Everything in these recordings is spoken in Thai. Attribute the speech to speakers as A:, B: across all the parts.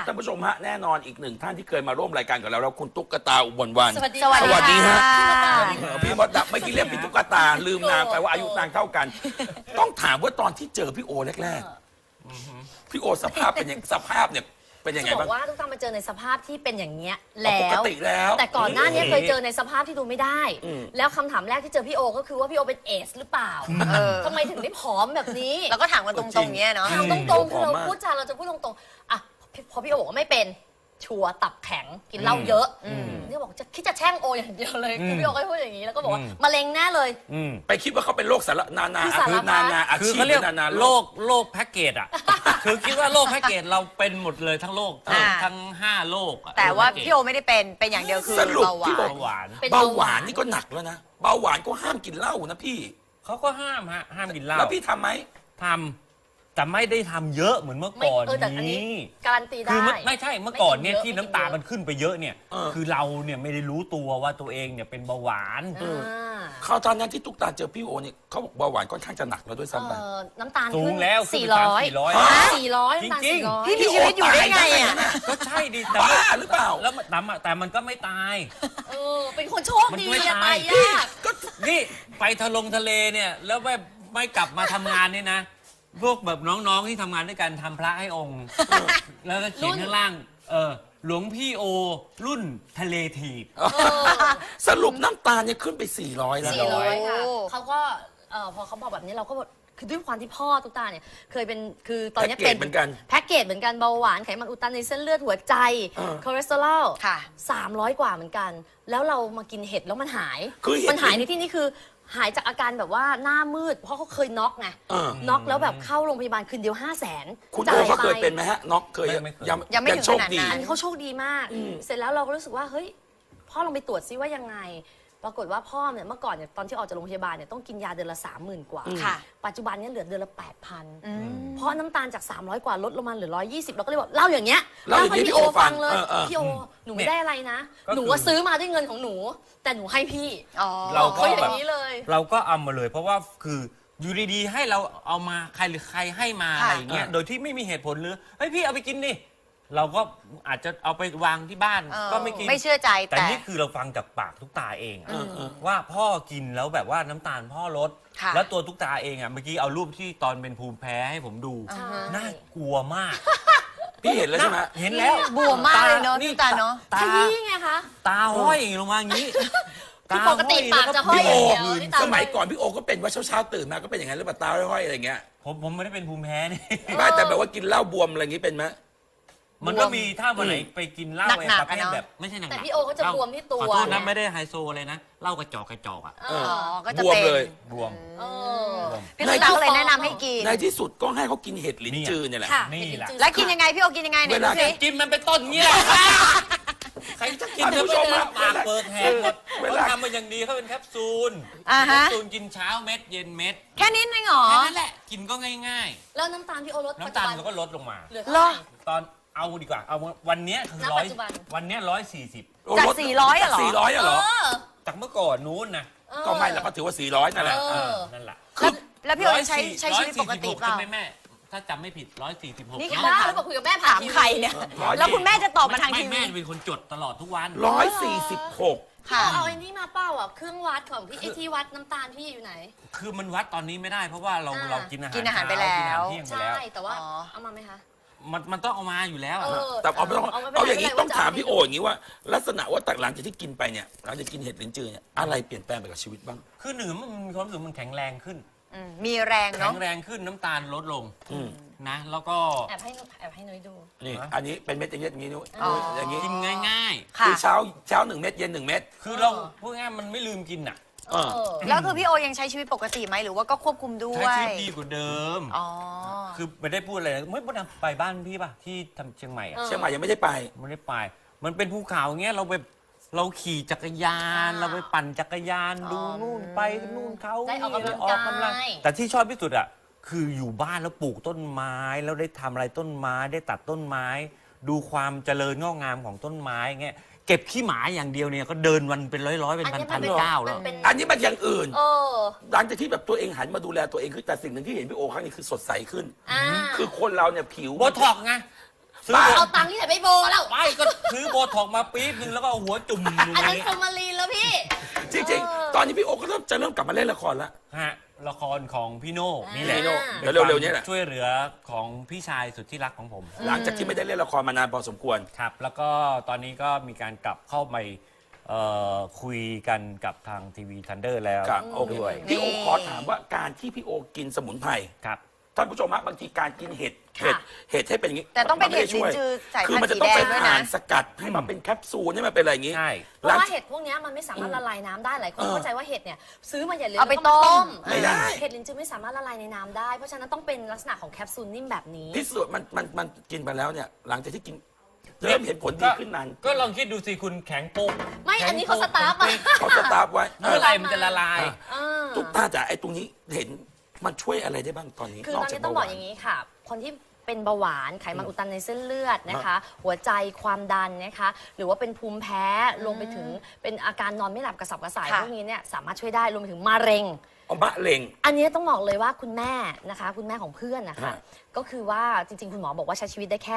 A: ท่านผู้ชมฮะแน่นอนอีกหนึ่งท่านที่เคยมาร่วมรายการกับเราแล้วคุณตุ๊กตาอุบลวรรณ
B: สวัสดี
A: สวัสดีฮะ
B: ค่ะ
A: พี่มดดับเมื่อกี้เรียกพี่ตุ๊กตาลืมนางไปว่าอายุนางเท่ากัน ต้องถามว่าตอนที่เจอพี่โอแรกๆพี่โอสภาพเป็นยังสภาพเนี่ยเป็นยังไง
B: จะบ
A: บ้า
B: อง กว่าตุ๊กตามาเจอในสภาพที่เป็นอย่างเงี้ย
A: ป
B: แล้
A: ก
B: ว
A: ติแล้ว
B: แต่ก่อนหน้านี้เคยเจอในสภาพที่ดูไม่ได้ แล้วคำถามแรกที่เจอพี่โอก็คือว่าพี่โอเป็นเอสหรือเปล่าทำไมถึงได้ผอมแบบนี้
C: แล้วก็ถามกันตรงๆเงี้ยเนาะ
B: ถามตรงๆคือเราพูดจาเราจะพูดตรงๆอ่ะพอพี่โอบอกว่าไม่เป็นชัวร์ตับแข็งกินเหล้าเยอะนี่บอกจะคิดจะแช่งโออย่างเดียวเลยคือพี่โอก็พูดอย่างนี้แล้วก็บอกว่ามะเร็งแน่เลย
A: ไปคิดว่าเขาเป็นโรคสารนานา
B: คือสารพัด
A: นานาอา
D: คือ
A: ชีพ
D: เขาเรียก
A: นานา
D: โรคแพ็กเกจอ่ะ คือคิดว่าโรคแพ็กเกจเราเป็นหมดเลยทั้งโรคทั้ง5โรคอะ
C: แต่ว่า
D: โรคพ็กเกจ
C: พี่โอไม่ได้เป็นอย่างเดียวคือ
A: สรุป
C: เบาหวา
A: พี่บอน ก
D: เบาหวาน
B: เป็น
A: เบาหวานนี่ก็หนักแล้วนะเบาหวานก็ห้ามกินเหล้านะพี่
D: เขาก็ห้ามกินเหล้า
A: แล้วพี่ทำไหม
D: ทำแต่ไม่ได้ทำเยอะเหมือนเมื่อก่อน
B: แต่อันนี้
D: นี้
B: การันตีได้
D: คือไม่ใช่เมื่อก่อนเนี่ย
B: ไม่กินเยอะ
D: ที่น้ำตาลมันขึ้นไปเยอะเนี่ย
A: เออ
D: คือเราเนี่ยไม่ได้รู้ตัวว่าตัวเองเนี่ยเป็นเบาหวาน
B: อ่า
A: เขาตอนนั้นที่ตุ๊กตาเจอพี่โอเนี่ยเขาบอกเบาหวานค่อนข้างจะหนักแล้วด้วยซ้ำไป
B: น้ำตาล
D: สู
B: ขึ้
D: ง
B: น
D: แล้วขึ้นไป
B: 400
D: 300
B: 400น้ำตาล
D: จริงๆ
B: 400
C: พี่มีชีวิตอยู่ได้ไงอ่ะ
D: ก็ใช่ดิแต่
A: บ้า
D: ว่า
A: หรือเปล่า
D: แล้วแต่มันก็ไม่ตาย
B: เป็นคนโชคดี
D: มันไม่
B: อะ
D: ตาย
B: ตายยาก
D: นี่ไปทะเลเนี่ยแล้วไม่กลับมาทำงานเนี่ยนะ พวกแบบน้องๆที่ทำงานด้วยกันทำพระให้องค์ แล้วก็เขียนข้างล่างหลวงพี่โอรุ่นทะเลถีบ
A: สรุปน้ำตาลเนี่ยขึ้นไป 400 แล้ว
B: 400ค่ะ
C: โอ้
B: เขาก็พอเขาบอกแบบนี้เราก็บอกคือด้วยความที่พ่อตุ๊กตาเนี่ยเคยเป็นคือตอนนี้
A: แพ็กเกจเหมือนกัน
B: แพ็กเกจเหมือนกันเบาหวานไขมันอุดตันในเส้นเลือดหัวใจ คอเลสเตอรอล
C: ค่ะ
B: 300 กว่าเหมือนกัน แล้วเรามากินเห็ดแล้วมันหาย
A: คือเห็ด
B: มันหายในที่นี้คือหายจากอาการแบบว่าหน้ามืด เพราะเขาเคยน็อกไง น็อกแล้วแบบเข้าโรงพยาบาลคืนเดียว 500,000
A: คุณโอเขาเคยเป็นไหมฮะน็อกเคย
D: ไม่เคย
C: ยังไม่ถึง
A: โชค
C: ขนาด
A: ดี
C: นั้น
B: อันนี้เขาโชคดีมาก เสร็จแล้วเราก็รู้สึกว่าเฮ้ยพ่อลองไปตรวจซิว่ายังไง ปรากฏว่าพ่อเนี่ยเมื่อก่อนเนี่ยตอนที่ออกจากโรงพยาบาลเนี่ยต้องกินยาเดือนละ 30,000 กว่า
C: ค่ะ
B: ปัจจุบันเนี่ยเหลือเดือนละ 8,000 เพราะน้ำตาลจาก 300 กว่าลดลงมาเหลือ 120เราก็เลยบอกเล่าอย่างเงี้ย
A: เล่าอย่างนี้
B: ให้
A: พี่โอฟัง
B: เลย
A: ๆ
B: พี่โอหนูไม่ได้อะไรนะ
D: ก็คือ
B: หนูว่าซื้อมาด้วยเงินของหนู แต่หนูให้พี่
C: อ๋อ
D: เราก็
B: เขาอย่างนี้เลย
D: เราก็เอามาเลย เพราะว่าคืออยู่ดีๆให้เราเอามาใครหรือใครให้มา
C: ค่ะ
D: อะไรอย่างเงี้ยโดยที่ไม่มีเหตุผลหรือเฮ้ยพี่เอาไปกินดิเราก็อาจจะเอาไปวางที่บ้าน ก็ไม่กิน
C: ไม่เชื่อใจ
D: แต่
C: แต่
D: นี่คือเราฟังจากปากทุกตาเองอะว่าพ่อกินแล้วแบบว่าน้ำตาลพ่อลด
C: ค่ะ
D: แล้วตัวทุกตาเองอ่ะเมื่อกี้เอารูปที่ตอนเป็นภูมิแพ้ให้ผมดู
B: ใช่
D: น่ากลัวมาก
A: พี่เห็นแล้วใช่ไหม
D: เห็นแล้ว
C: บวมมากเลยเนาะพี่ตาเนาะ
D: ตา
B: ขยี้ไงคะ
D: ตาห้อยลงมาอย่างนี้
B: คือปกติปากจะห้อย
A: พี่โอ
B: อย่างเดียวนี่ตา
A: สมัยก่อนพี่โอก็เป็นว่าเช้าๆตื่นมาก็เป็นอย่างนั้นหรือเปล่าตาห้อยๆอะไรอย่างเงี้ย
D: ผมไม่ได้เป็นภูมิแพ้นี่
A: ไม่แต่แบบว่ากินเหล้าบวมอะไรอย่างงี้เป็นไหม
D: มันก็มีถ้าวันไหนไปกินเหล้า
C: หนักๆ
D: ประเภท
C: อะเนาะ
D: แบบไม่ใช่หนักๆ
B: แต่พี่โอเขาจะบวมที่ตัว
D: ขอโทษนะ
B: ไง
D: ไม่ได้ไฮโซเลยนะเหล้ากระจอกอ่ะ
B: อ๋อ
C: ก็จะ
A: บวม
C: เป็น
A: เลย
D: บวม
B: เออ
C: พี่ตุ๊กตาก็เลยแนะนำให้กิน
A: ในที่สุดก็ให้เขากินเห็ดลิ้นจือเนี่ยแหละ
B: ค่ะ
D: นี่แหละ
C: แล้วกินยังไงพี่โอกินยังไงไหน
A: เว
C: ดู
A: ลา
C: สิ
D: กินมันเป็นต้นอย่างนี้แหละใครจะกิน
A: ท่านผู้ชม
D: เธอ
A: ฮะ
D: ปากเปิดแหกหมด
A: เว
D: เขา
A: ลา
D: ทำมาอย่างดีเขาเป็นแคปซูล
C: อ่า
D: แค
C: ฮะ
D: ปซูลกินเช้าเม็ดเย็นเม็ด
C: แค่นี้เองเหรอ
D: แค่นั้นแหละกินก็ง่าย
B: แล้วน้ำตาลพี่โอลด
D: ๆ น้ำตาลมันก็ลดลงมา
B: เหลือ
C: เหร
B: เท่า
C: อ
B: ไหร่
D: ตอนเอาดีกว่าเอาวันเนี้ยคือ
B: ณ
D: ร้อย
B: ปัจจุบัน
D: วันเนี้ย140
C: จาก400อะเหรอ
A: 400อะเหรอ
D: จากเมื่อก่อนนู้นนะ
A: ก็ไม่แล้วก็ถือว่า 400นั่นแหละ
D: นั่นแหละ
C: แล้วพี่โอใช้ชีวิตปกติเปล่า
D: ใช่ไหมแม่ถ้าจำไม่ผิด146
C: นี่
B: นี่
C: ค่ะ
B: บ้าหรือเปล่าคุยกับแม่ผ่า
C: ถาน ม
B: ทีวี
C: ใครเนี่ย
A: 140
C: แล้วคุณแม่จะตอบมาทางที
D: แม่
C: วี
D: เป็นคนจดตลอดทุกวัน
A: 146
C: ค่ะ
B: เอาไอ้นี่มาเป้าอ่ะเครื่องวัดของพี่ไอ้ที่วัดน้ำตาลพี่อยู่ไหน
D: คือมันวัดตอนนี้ไม่ได้เพราะว่าเรา
B: อ่า
D: เรากินอาหาร
C: กินอาหารไปแล้ว
D: กินอาหารเที่ยงไป
B: ใช่
D: แล้ว
B: แต่ว่า
C: อ๋อ
B: เอามาไหมคะ
D: มันต้องเอามาอยู่แล้วอะ
A: แต่เอาไม่ต้อง
B: ไม่ป็นไร
A: เอาอย่างนี้
B: ไม่ป็
A: ต้อง
B: ไร
A: ถาม
B: ว่จะ
A: พี่โออย่างนี้ว่า ลักษณะว่าหลังจากที่กินไปเนี่ยหลังจากกินเห็ดลิ้นจือเนี่ยอะไรเปลี่ยนแปลงไปกับชีวิตบ้าง
D: คือหนึ่งมันมีความรู้สึกมันแข็งแรงขึ้น
C: มีแรง
D: แข็
C: เนาะ
D: งแรงขึ้นน้ำตาลลดลงนะ แล้วก็
B: แอบให้นุ้ยดู
A: นี่อันนี้เป็นเม็ดอย่างนี้นุ้ย
C: อ๋อ
A: อย่างนี้
D: กินง่าย
C: ค่ะ
A: คือเช้า1 เม็ดเย็น1 เม็ด
D: ๆ คือเราพูดง่ายๆมันไม่ลืมกินอ่ะ
A: เออ
C: แล้วคือพี่โอยังใช้ชีวิตปกติไหมหรือว่าก็ควบคุมด้ว
D: ใช้
C: ย
D: ชีวิตดีกว่าเดิม
C: อ๋อ
D: คือไม่ได้พูดอะไรนะไม่พูดไปบ้านพี่ป่ะที่ทำเชียงใหม่อะ
A: เชียงใหม่ยังไม่ได้ไป
D: ไม่ได้ไป มันเป็นภูเขาอย่างเงี้ยเราขี่จักรยาน เราไปปั่นจักรยานดูนู่นไปนู่นเขา
B: ได้ออกกำลัง
D: ออกกำลัง
B: กาย
D: แต่ที่ชอบที่สุดอ่ะคืออยู่บ้านแล้วปลูกต้นไม้แล้วได้ทำอะไรต้นไม้ได้ตัดต้นไม้ ดูความเจริญงอกงามของต้นไม้เงี้ยเก็บขี้หมาอย่างเดียวเนี่ยก็เดินวันเป็นร้อยๆเป็นพันๆก้าวแล้ว
B: มันเป็น
A: อันนี้มันอย่างอื่น
B: เออ
A: หลังจากที่แบบตัวเองหันมาดูแลตัวเองคือแต่สิ่งหนึ่งที่เห็นพี่โอครั้งนี้คือสดใสขึ้น
B: อ่า
A: คือคนเราเนี่ยผิว
D: โบท็อกซ์ไงซื้อ
A: บ้า
B: เอาตังค์ที่ไหนไปโบแล้ว
D: ไม่ก็ซื้อโบท็อกมาปี๊บนึงแล้วก็เอาหัวจุ่มอยู่
B: อัน
D: ใน
B: นั้น
D: นี้
B: ฟอร์มาลีนแล้วพี่
A: จริงๆ ตอนนี้พี่โอก็จะเริ่มกลับมาเล่นละครแล้ว
D: ฮะละครของพี่โน่นี่แหละ
A: พี่โน่
D: ป็น
A: เดี๋ยวเร็วๆนี้แหละ
D: ช่วยเหลือของพี่ชายสุดที่รักของผม
A: หลังจากที่ไม่ได้เล่นละครมานานพอสมควร
D: ครับ แล้วก็ตอนนี้ก็มีการกลับเข้าไปคุยกันกับทางทีวีทันเดอร์แล้ว
A: ครับโอเค
D: ด้วย
A: พี่โอขอถามว่าการที่พี่โอกินสมุนไพร
D: ครับ
A: ท่านผู้ชมฮะบางทีการกินเห็ด
B: ค่ะ
A: เห็ดให้เป็นอย่างนี้
C: แต่ต้องเป็น
A: มัไม่ได้ช่วย
C: เห็ดลิ้นจือสายพันธุ์
A: คือมันจะต้องเป็น
C: สีแดงด้วยนะ
A: อ่านสกัดให้มันเป็นแคปซูลให้มันเป็นอะไรอย่างนี้
D: ใช่
B: เพราะว่าเห็ดพวกเนี้ยมันไม่สามารถละลายน้ำได้หลายคนเข้าใจว่าเห็ดเนี่ยซื้อมาอย่าลืม
C: เอาไป
B: แล้วก็
C: ต้ม
A: ไม่ได้
B: เห็ดลินจือไม่สามารถละลายในน้ำได้ เพราะฉะนั้นต้องเป็นลักษณะของแคปซูลนิ่มแบบนี้
A: พิสูจน์มันกินไปแล้วเนี่ย หลังจากที่กินเริ่มเห็นผลดีขึ้นนาน
D: ก็ลองคิดดูสิคุณแข็งโป๊ก
B: ไม่อันนี้เขาสตาร์ฟมา
A: เขาสตาร์ฟไว้
D: เมื่อไหรมันจะละลาย
A: ทุกท่าจะไอ้ตรงนี้เห็นมันช่วยอะไรได้บ้างตอนนี้
B: คือตอนนี้ต้องบอกอย่างนี้ค่ะ คนที่เป็นเบาหวานไขมันอุดตันในเส้นเลือดนะคะ หัวใจความดันนะคะ หรือว่าเป็นภูมิแพ้รวมไปถึงเป็นอาการนอนไม่หลับกระสับกระส่าย
C: ค่ะ
B: พวกนี้เนี่ยสามารถช่วยได้รวมไปถึงมะเร็ง
A: เอามะเร็ง
B: อันนี้ต้องบอกเลยว่าคุณแม่นะคะ คุณแม่ของเพื่อนนะคะ
A: ฮะ
B: ก็คือว่าจริงๆ คุณหมอบอกว่าใช้ชีวิตได้แค่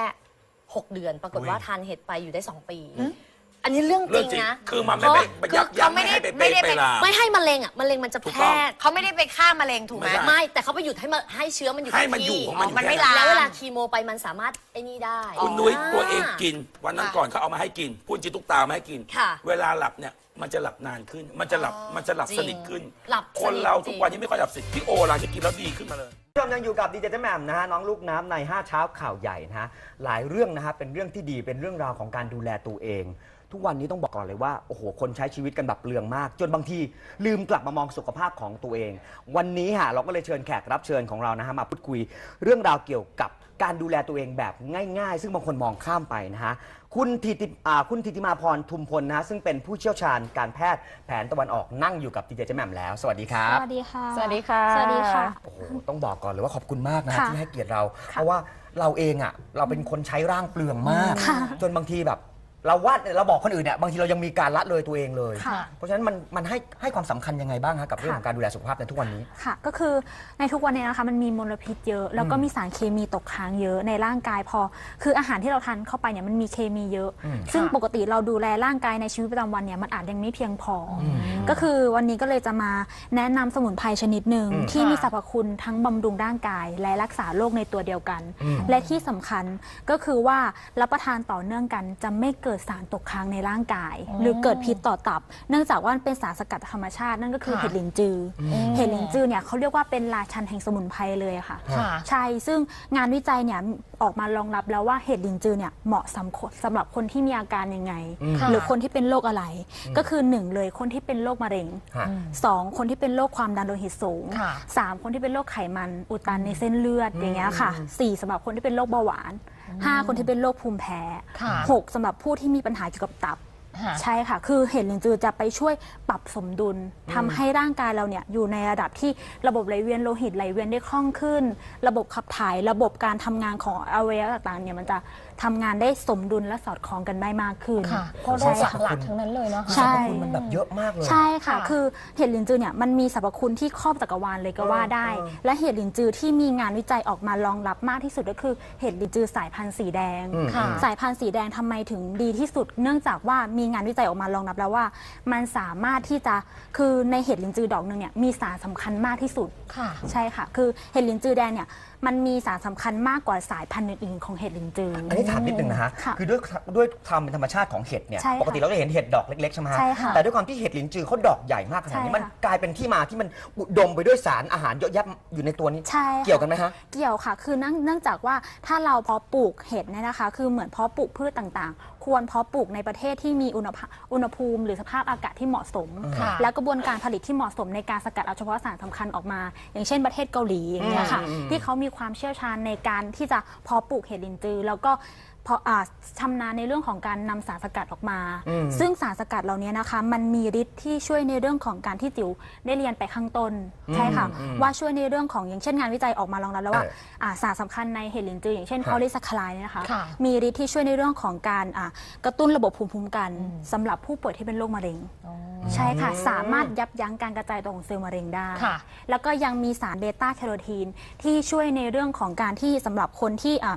B: 6 เดือน ปรากฏว่าทานเห็ดไปอยู่ได้ 2 ปี อันนี้เรื่องจ
A: เรื่อ
B: ริ
A: ง
B: ง
A: จริง
B: นะ
A: คือมันไม่ไปไปยับยั้งไม่ให้ไป
C: ไม่ได้
A: ไป
C: ไป
A: ลาม
B: ไม่ให้มะเร็งอ่ะมะเร็งมันจะ
A: ถูก
B: แพ
A: ต้
B: ร่
A: อง
C: เขาไม่ได้ไปฆ่ามะเร็งถูกไหม
A: ไม่ได้
B: ไม่แต่เขาไปหยุดให้เชื้อมันอยู่
A: ให้
B: กับ
A: มันอยู่
B: ที่
A: ของมันอยู่
C: มันไม่
A: แค่
C: ลาม
B: แล้วเวลาคีโมไปมันสามารถไอ้นี่ได้
A: คุณนุ้ยตัวเอง
B: า
A: กิน วันนั้นก่อนเขาเอามาให้กินพูดจริงตุ๊กตามาให้กิน
B: ค่ะ
A: เวลาหลับเนี่ยมันจะหลับนานขึ้น มันจะหลับสนิทขึ้น
B: หลับ
A: คนเราทุกวันนี้ไม่ค่อยหลับสนิทพี่โอหลังจากกินแล้วดีขึ้นมาเลย
E: ผู้ชมยังอยู่กับดีเจแหม่มนะฮะน้องลูกน้ำใน 5 เช้าข่าวใหญ่นะฮะหลายเรื่องนะฮะเป็นเรื่องที่ดีเป็นเรื่องราวของการดูแลตัวเอง ทุกวันนี้ต้องบอกก่อนเลยว่าโอ้โหคนใช้ชีวิตกันแบบเปลืองมาก จนบางทีลืมกลับมามองสุขภาพของตัวเอง วันนี้ฮะเราก็เลยเชิญแขกรับเชิญของเรานะฮะมาพูดคุยเรื่องราวเกี่ยวกับการดูแลตัวเองแบบง่ายๆ ซึ่งบางคนมองข้ามไปนะฮะคุณทิติมาพรทุมพลนะฮะซึ่งเป็นผู้เชี่ยวชาญการแพทย์แผนตะวันออกนั่งอยู่กับดีเจแหม่มแล้วสวัสดีครับ
F: สวัสดีค่ะ
C: สวัสดีค่ะ
F: สวัสดีค่ะ
E: โอ้โหต้องบอกก่อนเลยว่าขอบคุณมากนะ
F: ค่ะ
E: ที่ให้เกียรติเรา เพราะว่าเราเองอ่ะเราเป็นคนใช้ร่างเปลืองมาก
F: ค่ะ
E: จนบางทีแบบเราเราบอกคนอื่นเนี่ยบางทีเรายังมีการละเลยตัวเองเลย
F: ค่ะ
E: เพราะฉะนั้นมันให้ความสำคัญยังไงบ้างฮะกับเรื่องของการดูแลสุขภาพในทุกวันนี้
F: ค่ะ ก็คือในทุกวันนี้นะคะมันมีมลพิษเยอะ แล้วก็มีสารเคมีตกค้างเยอะในร่างกายคืออาหารที่เราทานเข้าไปเนี่ยมันมีเคมีเยอะ ซึ่งปกติเราดูแลร่างกายในชีวิตประจำวันเนี่ยมันอาจยังไม่เพียงพออก็คือวันนี้ก็เลยจะมาแนะนำสมุนไพรชนิดหนึ่งที่มีสรรพคุณทั้งบำรุงร่างกาย และรักษาโรคในตัวเดียวกัน และที่สำคัญก็คือว่ารับประทานต่อเนื่องกันจะไม่เกิดสารตกค้างในร่างกาย หรือเกิดพิษต่อตับ เนื่องจากว่ามันเป็นสารสกัดธรรมชาตินั่นก็คือเห็ดหลินจือเห็ดหลินจือเนี่ยเขาเรียกว่าเป็นราชันแห่งสมุนไพรเลยค่ะ ใช่ซึ่งงานวิจัยเนี่ยออกมารองรับแล้วว่าเห็ดหลินจือเนี่ยเหมาะสำหรับคนที่มีอาการยังไง หรือคนที่เป็นโรคอะไร ก็คือ1เลยคนที่เป็นโรคมะเร็ง
E: ค่ะ
F: 2คนที่เป็นโรคความดันโลหิตสูง 3คนที่เป็นโรคไขมันอุดตันในเส้นเลือดอย่างเงี้ยค่ะ4สำหรับคนที่เป็นโรคเบาหวาน5คนที่เป็นโรคภูมิแพ้6สำหรับผู้ที่มีปัญหาเกี่ยวกับตับ ใช่ค่ะ คือเห็ดหลินจือจะไปช่วยปรับสมดุลทำให้ร่างกายเราเนี่ยอยู่ในระดับที่ระบบไหลเวียนโลหิตไหลเวียนได้คล่องขึ้น ระบบขับถ่ายระบบการทำงานของอวัยวะต่างๆเนี่ยมันจะทำงานได้สมดุลและสอดคล้องกันได้มากขึ้น
C: เพราะโร
F: ใช่
C: ค
F: ค่ะ
C: หลักๆทั้งนั้นเลยเนาะ
F: ใช่
E: สรรพคุณมันแบบเยอะมากเลย
F: ใช่ค่ะ คือเห็ดหลินจือเนี่ยมันมีสรรพคุณที่ครอบจักรวาลเลยก็ว่าได้ และเห็ดหลินจือที่มีงานวิจัยออกมารองรับมากที่สุดก็คือเห็ดหลินจือสายพันธุ์สีแดง สายพันธุ์สีแดงทำไมถึงดีที่สุด เนื่องจากว่ามีงานวิจัยออกมารองรับแล้วว่า มันสามารถที่จะคือในเห็ดหลินจือดอกหนึ่งเนี่ยมีสารสำคัญมากที่สุด ใช่ค่ะ คือเห็ดหลินจือแดงเนี่ยมันมีสารสำคัญมากกว่าสายพันธุ์อื่นๆของเห็ดหลินจือ
E: อันนี้ถามนิดนึงนะฮะ
F: ค่ะ
E: คือด้วยความเป็นธรรมชาติของเห็ดเนี่ย
F: ใช่ค่ะ
E: ปกติเราจะเห็นเห็ดดอกเล็กๆใช่ไหมฮะ
F: ใช่ค่ะ
E: แต่ด้วยความที่เห็ดลิ้นจือเขาดอกใหญ่มากขนาดนี้
F: ใช่ค่ะ
E: มันกลายเป็นที่มาที่มันอุดมไปด้วยสารอาหารเยอะแยะอยู่ในตัวนี้
F: ใช่ค่ะ
E: เกี่ยวกันไหมฮะ
F: เกี่ยวค่ะ คือเนื่องจากว่าถ้าเราเพาะปลูกเห็ดเนี่ยนะคะ คือเหมือนเพาะปลูกพืชต่างๆ ควรเพาะปลูกในประเทศที่มีอุณหภูมิหรือสภาพอากาศที่เหมาะสม และกระบวนการผลิตที่เหมาะสมในการสกัดเอาเฉพาะสารสำคัญออกมา อย่างเช่นประเทศเกาหลีอย่างเงี้ยค่ะ ที่เขามีความเชี่ยวชาญในการที่จะเพาะปลูกเห็ดลินจือแล้วก็ชำนาญในเรื่องของการนำสารสกัดออกมา ซึ่งสารสกัดเหล่านี้นะคะมันมีฤทธิ์ที่ช่วยในเรื่องของการที่จิ๋วได้เรียนไปข้างต้นใช่ค่ะว่าช่วยในเรื่องของอย่างเช่นงานวิจัยออกมารองรับแล้วว่าสารสำคัญในเห็ดลินจืออย่างเช่น
E: ครับ
F: พอลิซัคคาไลด์เนี่ยนะคะมีฤทธิ์ที่ช่วยในเรื่องของการกระตุ้นระบบภูมิคุ้มกันสำหรับผู้ป่วยที่เป็นโรคมะเร็งใช่ค่ะสามารถยับยั้งการกระจายตัวของเซลล์มะเร็งได้แล้วก็ยังมีสารเบต้าแคโรทีนที่ช่วยในเรื่องของการที่สำหรับคนที่เ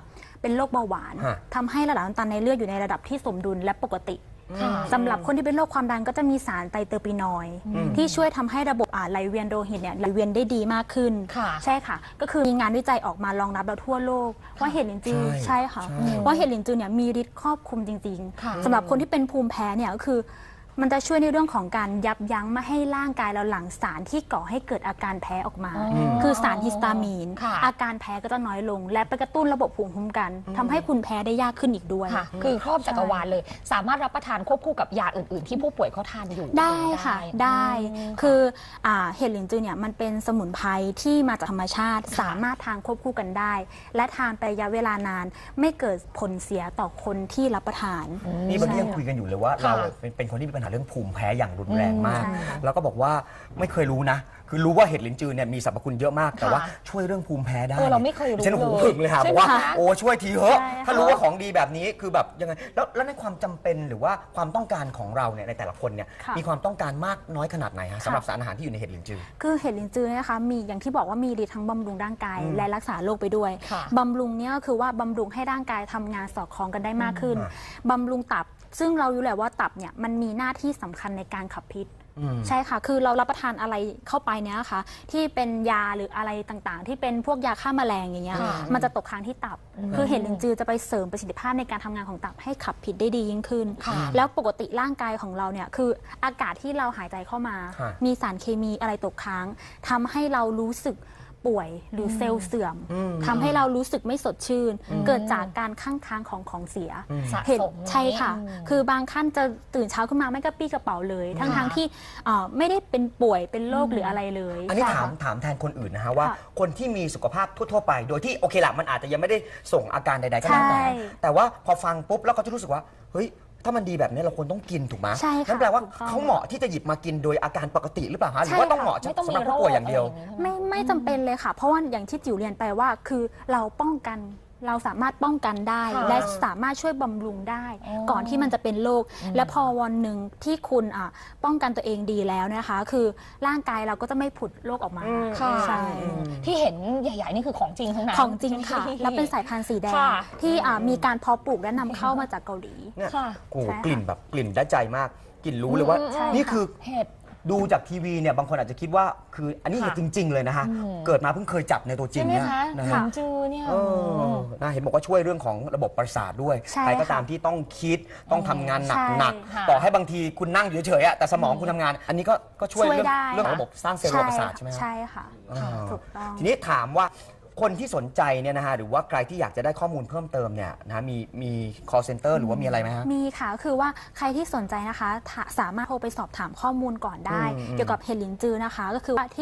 F: เป็นโรคเบาหวาน
E: ฮะ
F: ทำให้ระดับน้ำตาลในเลือดอยู่ในระดับที่สมดุลและปกติ
B: ค่ะ
F: สำหรับคนที่เป็นโรคความดันก็จะมีสารไตรเตอร์ปีนอยด์ที่ช่วยทำให้ระบบไหลเวียนโลหิตเนี่ยไหลเวียนได้ดีมากขึ้น
B: ค่ะ
F: ใช่ค่ะ ก็คือมีงานวิจัยออกมารองรับเราทั่วโลกว่าเห็ดลินจือ
E: ใช่
F: ใช่ค่ะ
E: ใช่
F: ว่าเห็ดลินจือเนี่ยมีฤทธิ์ครอบคลุมจริง
B: ค่ะ
F: ๆสำหรับคนที่เป็นภูมิแพ้เนี่ยก็คือมันจะช่วยในเรื่องของการยับยั้งไม่ให้ร่างกายเราหลั่งสารที่ก่อให้เกิดอาการแพ้ออกมา คือสารฮิสตามีน
B: ค่ะ
F: อาการแพ้ก็จะน้อยลง และไปกระตุ้นระบบภูมิคุ้มกันทำให้คุณแพ้ได้ยากขึ้นอีกด้วย
C: ค่ะ คือครอบจักรวาลเลย สามารถรับประทานควบคู่กับยาอื่น ๆ ที่ผู้ป่วยเขาทานอยู่
F: ได้ค่ะได้คือเห็ดหลินจือเนี่ยมันเป็นสมุนไพรที่มาจากธรรมชาติ สามารถทานควบคู่กันได้ และทานไประยะเวลานาน ไม่เกิดผลเสียต่อคนที่รับประทาน
E: นี่วันนี้ยังคุยกันอยู่เลยว่าเรา
C: ค่ะ
E: เป็นคนที่มีปัญหาเรื่องภูมิแพ้อย่างรุนแรงมาก
F: ใช่ค่ะ
E: แล้วก็บอกว่าไม่เคยรู้นะ คือรู้ว่าเห็ดลิ้นจือเนี่ยมีสรรพคุณเยอะมาก แต่ว่าช่วยเรื่องภูมิแพ้ได้
C: เราไม่เคยรู้
E: ฉันหู
C: เลย
E: ผึ่งเลยค่ะ
C: ใช่
E: บ
C: ไหม
E: อกว่า
C: คะ
E: โอ้ช่วยทีเถอะ
F: ใช่ค่ะ
E: ถ้ารู้ว่าของดีแบบนี้คือแบบยังไงแล้วในความจำเป็นหรือว่าความต้องการของเราเนี่ยในแต่ละคนเนี่ย
F: ค่ะ
E: มีความต้องการมากน้อยขนาดไหนฮะสำหรับสารอาหารที่อยู่ในเห็ดลิ้นจือ
F: คือเห็ดลินจือเนี่ยนะคะมีอย่างที่บอกว่ามีฤทธิ์ทั้งบำรุงร่างกายและรักษาโรคไปด้วย
C: ค่ะ
F: บำรุงเนี่ยก็คือว่าบำรุงให้ร่างกายทำงานสอดคล้องกันได้มากขึ้น
E: อ่า
F: บำรุงตับ ซึ่งเรารู้แหละว่าตับเนี่ยมันมีหน้าที่สำคัญในการขับพิษ ใช่ค่ะ คือเรารับประทานอะไรเข้าไปเนี่ยค่ะที่เป็นยาหรืออะไรต่างๆ ที่เป็นพวกยาฆ่าแมลงอย่างเงี้ย
C: ค่ะ
F: มันจะตกค้างที่ตับ คือเห็ดลินจือจะไปเสริมประสิทธิภาพในการทำงานของตับให้ขับพิษได้ดียิ่งขึ้น
C: ค่ะ
F: แล้วปกติร่างกายของเราเนี่ยคืออากาศที่เราหายใจเข้ามา
E: ค่ะ
F: มีสารเคมีอะไรตกค้างทำให้เรารู้สึกป่วยหรือเซลล์เสื่อมทำให้เรารู้สึกไม่สดชื่น เกิดจากการข้างค้างของเสีย
C: สะ
F: เห็น
C: สม
F: ใช่ค่ะ
C: อืม
F: คือบางท่านจะตื่นเช้าขึ้นมาไม่กระปี้กระเป๋าเลย ทั้งที่ไม่ได้เป็นป่วยเป็นโรคหรืออะไรเลย
E: อันนี้
F: ใช่
E: ถาม
F: ค่ะ
E: ถามแทนคนอื่นนะฮะว่า
F: ค่ะ
E: คนที่มีสุขภาพทั่วๆไป โดยที่โอเคละมันอาจจะยังไม่ได้ส่งอาการใดๆก็แล้วแต่
F: ใช่
E: แต่ว่าพอฟังปุ๊บแล้วเขาจะรู้สึกว่าเฮ้ยถ้ามันดีแบบนี้เราควรต้องกินถูกไหม
F: ใช่ค่ะ
E: นั่นแปลว่า
F: ถูกต้อง
E: เขาเหมาะที่จะหยิบมากินโดยอาการปกติหรือเปล่าฮะหรือ
F: ใช่
E: ว่าต้อง
F: ค่ะ
E: เหมาะ
C: ไม่ต้อง
E: สำหรับ
C: มีโร
E: ผู้
C: ค
E: ป่วยอย่างเดียว
C: อะไรอย่างนี้
F: ไม่จำเป็นเลยค่ะ เพราะว่าอย่างที่จิ๋วเรียนไปว่าคือเราป้องกันเราสามารถป้องกันได้
C: ค่ะ
F: และสามารถช่วยบำรุงได้
C: อ๋อ
F: ก่อนที่มันจะเป็นโรคและพอวันหนึ่งที่คุณป้องกันตัวเองดีแล้วนะคะ คือร่างกายเราก็จะไม่ผุดโรคออกมา
C: ค่ะ
F: ใช่
C: ที่เห็นใหญ่ ๆ นี่คือของจริงทั้งนั้น
F: ของจริงค่ะ แล้วเป็นสายพันธุ์สีแดง
C: ค่ะ
F: ที่มีการเพาะปลูกและนำเข้ามาจากเกาหลี
E: เนี่ย
C: ค่ะ
E: โอ้โห
F: ใช่ค่ะ
E: กลิ่นแบบกลิ่นได้ใจมากกลิ่นรู้เลยว่า
F: ใช่
E: นี่คือ
C: เห็ด
E: ดูจากทีวีเนี่ยบางคนอาจจะคิดว่าคืออันนี้
C: ค่ะ
E: เห็ดจริง ๆ เลยนะฮะเกิดมาเพิ่งเคยจับในตัวจริ
C: ใช่
E: ง
C: ไหม
E: เนี่ย
C: คะ
E: นะ
C: ขอ
E: ฮะ
C: งจือเนี่ย
E: เออนะเห็นบอกว่าช่วยเรื่องของระบบประสาทด้วย
F: ใช่
E: ใครก็
F: ค่ะ
E: ตามที่ต้องคิดต้องทำงานหนัก
F: ใช่
E: หนัก
C: ค่ะ
E: ต่อให้บางทีคุณนั่งอยู่เฉยๆอะแต่สมองคุณทำงาน อันนี้ก็ช่วย
F: ช่วย
E: เรื่อง
F: ได้
E: เรื่องของระบบสร้างเซลล์ระบบประสาทใช่ไหมฮะ
F: ใช่ค่ะ
E: อ่า
F: ถูกต้อง
E: ทีนี้ถามว่าคนที่สนใจเนี่ยนะฮะหรือว่าใครที่อยากจะได้ข้อมูลเพิ่มเติมเนี่ยนะมี call center หรือว่ามีอะไรไหมฮะ
F: มีค่ะคือว่าใครที่สนใจนะคะสามารถโทรไปสอบถามข้อมูลก่อนได้ เกี่ยวกับเห็ดหลินจือนะคะ ก็คือว่าที่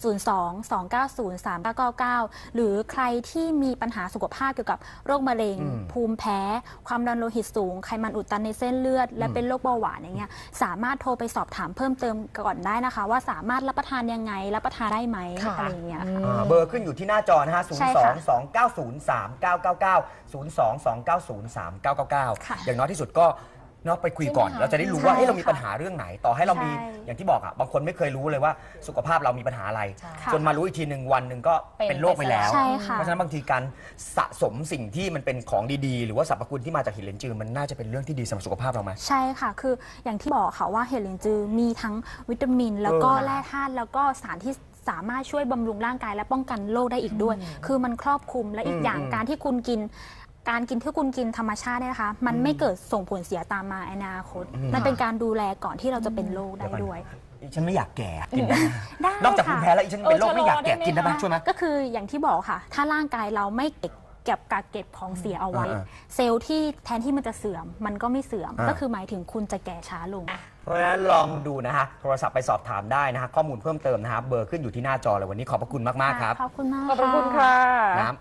F: 02-290-3999 หรือใครที่มีปัญหาสุขภาพเกี่ยวกับโรคมะเร็ง ภูมิแพ้ ความดันโลหิตสูง ไขมันอุดตันในเส้นเลือด และเป็นโรคเบาหวานอย่างเงี้ยสามารถโทรไปสอบถามเพิ่มเติมก่อนได้นะคะ ว่าสามารถรับประทานยังไงรับประทานได้ไหม
C: ค่ะ
F: อะไรอย่างเงี้ยค่ะ
E: เบอร์ขึ้นอยู่ที่หน้าจอนะฮะ
F: ใช่ค่ะ
E: 02-290-3999 02-290-3999
F: ค่ะ
E: อย่างน้อยที่สุดก็เนาะไปคุยก่อน
C: ใช่ไหมคะ
E: เราจะได้รู้ว่า
F: ใช่
E: เอ๊ะเรามี
F: ค่ะ
E: ปัญหาเรื่องไหน ต่อให้เรามี
F: ใช่
E: อย่างที่บอกอ่ะบางคนไม่เคยรู้เลยว่าสุขภาพเรามีปัญหาอะไร
C: ใช่
E: จนมารู้อีกทีหนึ่งวันหนึ่งก็เป็นโรคไปแล้ว
F: ใช่ค่ะ
E: เพราะฉะนั้นบางทีการสะสมสิ่งที่มันเป็นของดีๆ หรือว่าสรรพคุณที่มาจากหินเหลนจือมันน่าจะเป็นเรื่องที่ดีสำหรับสุขภาพเราไหม
F: ใช่ค่ะ คืออย่างที่บอกค่ะว่าเห็ดหลินจือมีทั้งวิตามิน แล้วก็
E: เออ
F: แร่ธาตุแล้วก็สารที่สามารถช่วยบำรุงร่างกายและป้องกันโรคได้อีกด้วย คือมันครอบคลุมและอีกอย่างการที่คุณกิน การกินที่คุณกินธรรมชาติเนี่ยนะคะ มันไม่เกิดส่งผลเสียตามมาในอนาคตมันเป็นการดูแลก่อนที่เราจะเป็นโรคได้ด้วย
E: ฉันไม่อยากแก่กินได้ไหม
F: ได้
E: นอกจาก
F: ค่ะ
E: ภูมิแพ้แล้วอีฉันเป็นโรคไม่อยากแก่กินได้ไหมช่วยไหม
F: ก็คืออย่างที่บอกค่ะ ถ้าร่างกายเราไม่เก็บกักเก็บของเสียเอาไว้ เซลล์ที่แทนที่มันจะเสื่อม มันก็ไม่เสื่อม ก็คือหมายถึงคุณจะแก่ช้าลง
E: เพราะฉะนั้นลองดูนะฮะโทรศัพท์ไปสอบถามได้นะฮะข้อมูลเพิ่มเติมนะฮะเบอร์ขึ้นอยู่ที่หน้าจอเลยวันนี้ขอบพระคุณมากๆครับ
F: ขอบคุณมาก
C: ขอบพระคุณค่ะ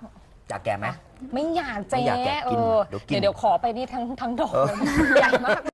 E: น้ำอยากแก่ไหม
C: ไม่อยากเจ๊
E: ไม่อยากแกะกิน
C: เออ
E: เดี๋ยวกิน
C: เดี๋ยวขอไปนี่ทั้งดอกเลยใหญ่มาก